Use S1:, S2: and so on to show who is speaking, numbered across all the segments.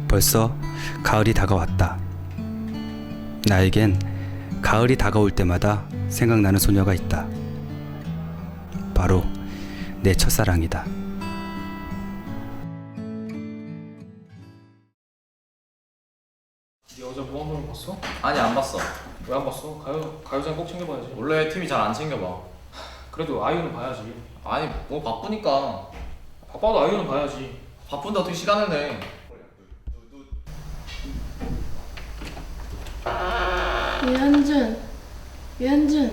S1: 벌써 가을이 다가왔다. 나에겐 가을이 다가올 때마다 생각나는 소녀가 있다. 바로 내 첫사랑이다.
S2: 네 어제 무한도전 봤어?
S3: 아니 안 봤어.
S2: 왜 안 봤어? 가요장 꼭 챙겨봐야지.
S3: 원래 팀이 잘 안 챙겨봐.
S2: 그래도 아이유는 봐야지.
S3: 아니 뭐 바쁘니까.
S2: 바빠도 아이유는 봐야지.
S3: 바쁜데 어떻게 시간을 내?
S4: 유현준.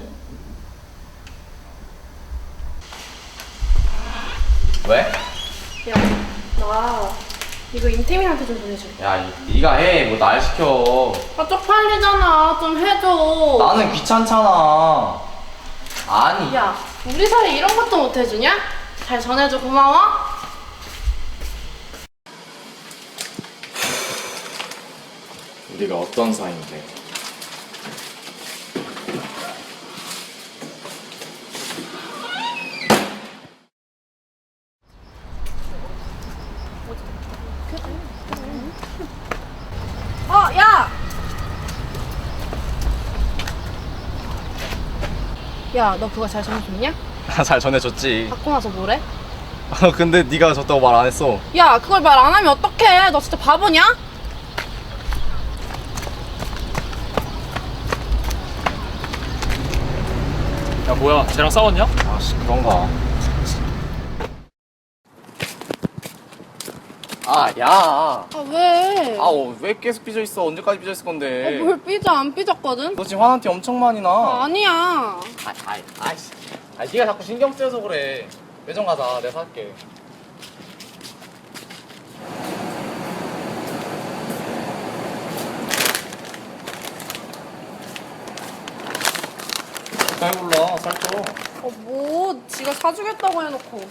S3: 왜?
S4: 야, 나 이거 임태민한테 좀 보내줘.
S3: 야 네가 해. 뭐 날 시켜.
S4: 아, 쪽팔리잖아. 좀 해줘.
S3: 나는 귀찮잖아. 아니.
S4: 야, 우리 사이 이런 것도 못 해주냐? 잘 전해줘. 고마워.
S3: 우리가 어떤 사이인데?
S4: 야! 야, 너 그거 잘 전해줬냐?
S3: 잘 전해줬지.
S4: 받고 나서 뭐래?
S3: 근데 네가 줬다고 말 안 했어.
S4: 야, 그걸 말 안 하면 어떡해? 너 진짜 바보냐?
S2: 야 뭐야, 쟤랑 싸웠냐?
S3: 아씨 그런가. 야.
S4: 아, 왜?
S3: 왜 계속 삐져 있어? 언제까지 삐져 있을 건데?
S4: 뭘 삐져? 안 삐졌거든?
S3: 너 지금 화난 티 엄청 많이 나.
S4: 아니야.
S3: 아이씨. 네가 자꾸 신경 쓰여서 그래. 매점 가자. 내가 살게. 잘 골라. 살쪄.
S4: 뭐 지가 사주겠다고 해놓고.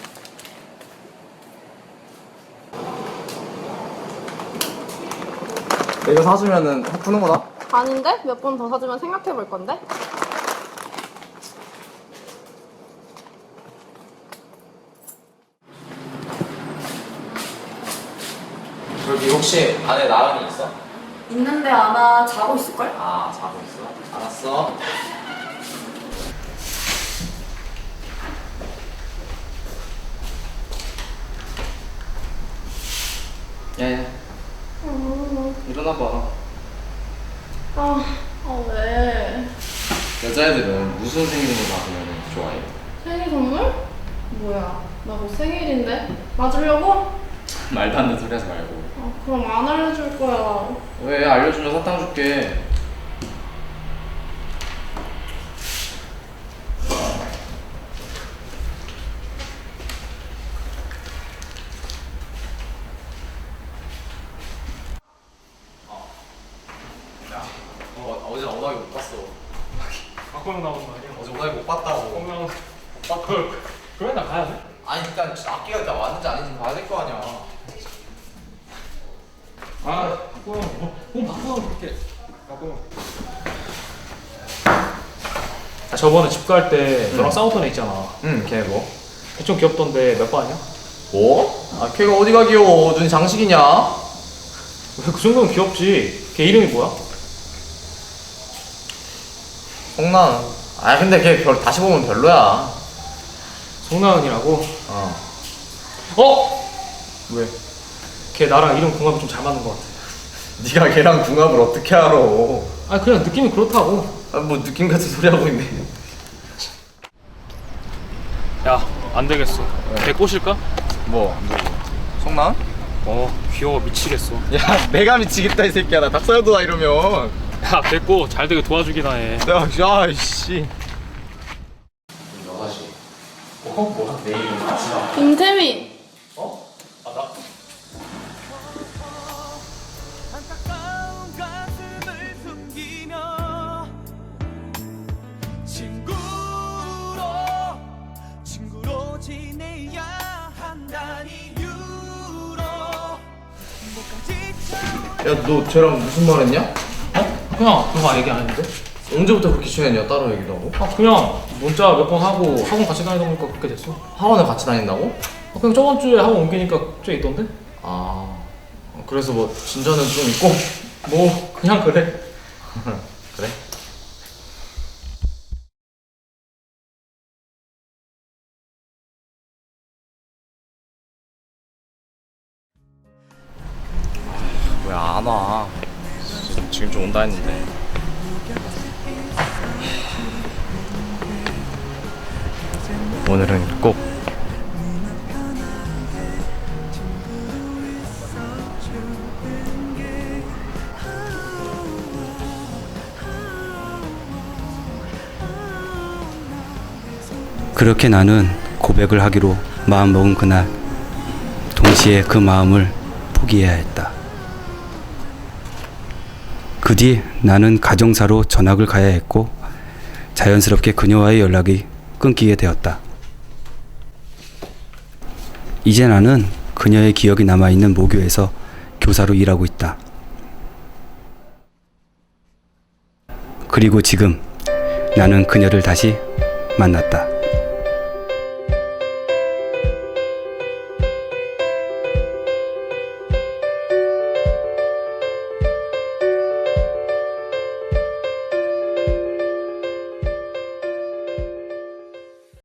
S3: 내가 사주면은 확 푸는 거다?
S4: 아닌데? 몇 번 더 사주면 생각해볼 건데?
S3: 저기 혹시 안에 나은이 있어?
S4: 있는데 아마 자고 있을걸?
S3: 자고 있어. 알았어. 야야. 일어나봐.
S4: 왜?
S3: 여자애들은 무슨 생일을 받으면 좋아해?
S4: 생일 선물? 뭐야, 나 뭐 생일인데? 맞으려고?
S3: 말도 안 되는 소리 하지 말고.
S4: 그럼 안 알려줄 거야.
S3: 왜? 알려주면 사탕 줄게. 어제 오다기 못 봤어.
S2: 박보영 나오는 거 아니야?
S3: 어제 오다기 못 봤다고.
S2: 박보영 못 봤다. 그러면 나 가야 돼?
S3: 아니 일단 악기가 다 왔는지 아닌지 봐야 될 거 아니야.
S2: 박보영 박보영 그렇게. 박보영. 저번에 집 갈 때 너랑 싸웠던 애 있잖아.
S3: 걔 뭐?
S2: 걔 좀 귀엽던데 몇 반이야?
S3: 뭐? 걔가 어디가 귀여워? 눈이 장식이냐?
S2: 왜 그 정도면 귀엽지? 걔 이름이 뭐야?
S3: 송나은. 근데 걔 다시 보면 별로야.
S2: 송나은이라고?
S3: 왜?
S2: 걔 나랑 이름 궁합이 좀 잘 맞는 것 같아.
S3: 네가 걔랑 궁합을 어떻게 알아?
S2: 그냥 느낌이 그렇다고.
S3: 뭐 느낌 같은 소리 하고 있네.
S2: 야, 안 되겠어. 걔 꼬실까?
S3: 뭐? 송나은?
S2: 귀여워 미치겠어.
S3: 야, 내가 미치겠다 이 새끼야. 나 닭살도다 이러면.
S2: 야, 됐고 잘 되게 도와주기나 해.
S3: 야, 씨. 여자지. 뭐야? 내일 같이 가.
S4: 임태민.
S2: 나?
S5: 안타까운 가슴을 숨기며 친구로 지내야 한다는 이유로
S3: 야, 너 쟤랑 무슨 말 했냐?
S2: 그냥 그거 얘기 안 했는데?
S3: 언제부터 그렇게 친했냐? 따로 얘기도 하고?
S2: 그냥 문자 몇 번 하고 학원 같이 다니다 보니까 그렇게 됐어.
S3: 학원을 같이 다닌다고?
S2: 그냥 저번 주에 학원 옮기니까 쟤 있던데? 그래서 뭐 진전은 좀 있고 뭐 그냥 그래. 그래?
S3: 왜 안 와? 지금 좀 온다 했는데. 오늘은 꼭
S1: 그렇게 나는 고백을 하기로 마음먹은 그날, 동시에 그 마음을 포기해야 했다. 그 뒤 나는 가정사로 전학을 가야 했고 자연스럽게 그녀와의 연락이 끊기게 되었다. 이제 나는 그녀의 기억이 남아있는 모교에서 교사로 일하고 있다. 그리고 지금 나는 그녀를 다시 만났다.